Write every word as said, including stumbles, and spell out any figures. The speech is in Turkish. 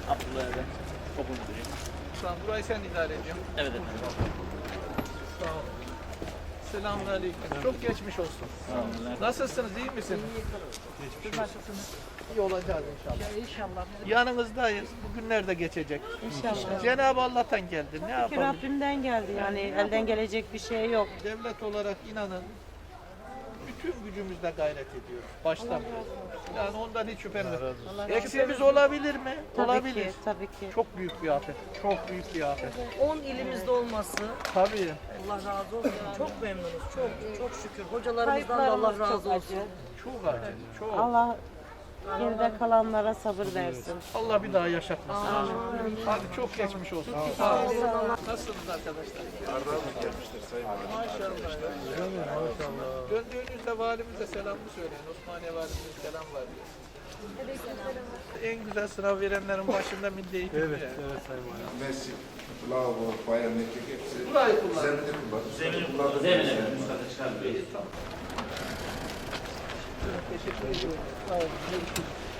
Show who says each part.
Speaker 1: Abdullah Erdem. Okul müdürüyüm.
Speaker 2: Tamam, burayı sen idare ediyorsun.
Speaker 1: Evet efendim.
Speaker 2: Sağ ol. Selamünaleyküm. Çok geçmiş olsun.
Speaker 1: Sağ olun.
Speaker 2: Nasılsınız, iyi misiniz? Siz nasılsınız? İyi olacağız inşallah.
Speaker 3: İnşallah.
Speaker 2: Yanınızdayız. Bugünler de geçecek.
Speaker 3: İnşallah.
Speaker 2: Cenab-ı Allah'tan geldi. Ne
Speaker 3: Ki
Speaker 2: yapalım?
Speaker 3: Rabbimden geldi yani elden gelecek bir şey yok.
Speaker 2: Devlet olarak inanın bütün gücümüzle gayret ediyoruz. Baştan beri. Yani ondan hiç şüphem yok. Eksiğimiz olabilir mi?
Speaker 3: Tabii
Speaker 2: Olabilir.
Speaker 3: ki, tabii ki.
Speaker 2: Çok büyük bir afet. Çok büyük bir afet.
Speaker 4: on ilimizde olması
Speaker 2: Tabii.
Speaker 4: Allah razı olsun. Çok memnunuz. Çok çok şükür. Hocalarımızdan da Allah
Speaker 3: Kayıplarımız
Speaker 4: razı
Speaker 3: çok
Speaker 4: olsun.
Speaker 3: acı.
Speaker 2: Çok acı. Çok.
Speaker 3: Allah geride kalanlara sabır versin.
Speaker 2: Allah bir daha yaşatmasın. Hadi çok geçmiş olsun. Sağ olun. Nasılsınız arkadaşlar? Maşallah. Maşallah. Döndüğünüzde valimize selamını söyleyin. Osmaniye valimize selam var diyor. En güzel sınav verenlerin başında milli eğitim. Evet, evet Sayın Valim.
Speaker 5: Messi, Bravo, Bayern Mekik hepsi.
Speaker 2: Burayı kullan.
Speaker 5: Zemini kullan.
Speaker 1: Zemini kullandı. Zemini efendim. Üst kata çıkarmıyoruz.
Speaker 2: Teşekkür ediyorum. Sağ olun. Görüşürüz.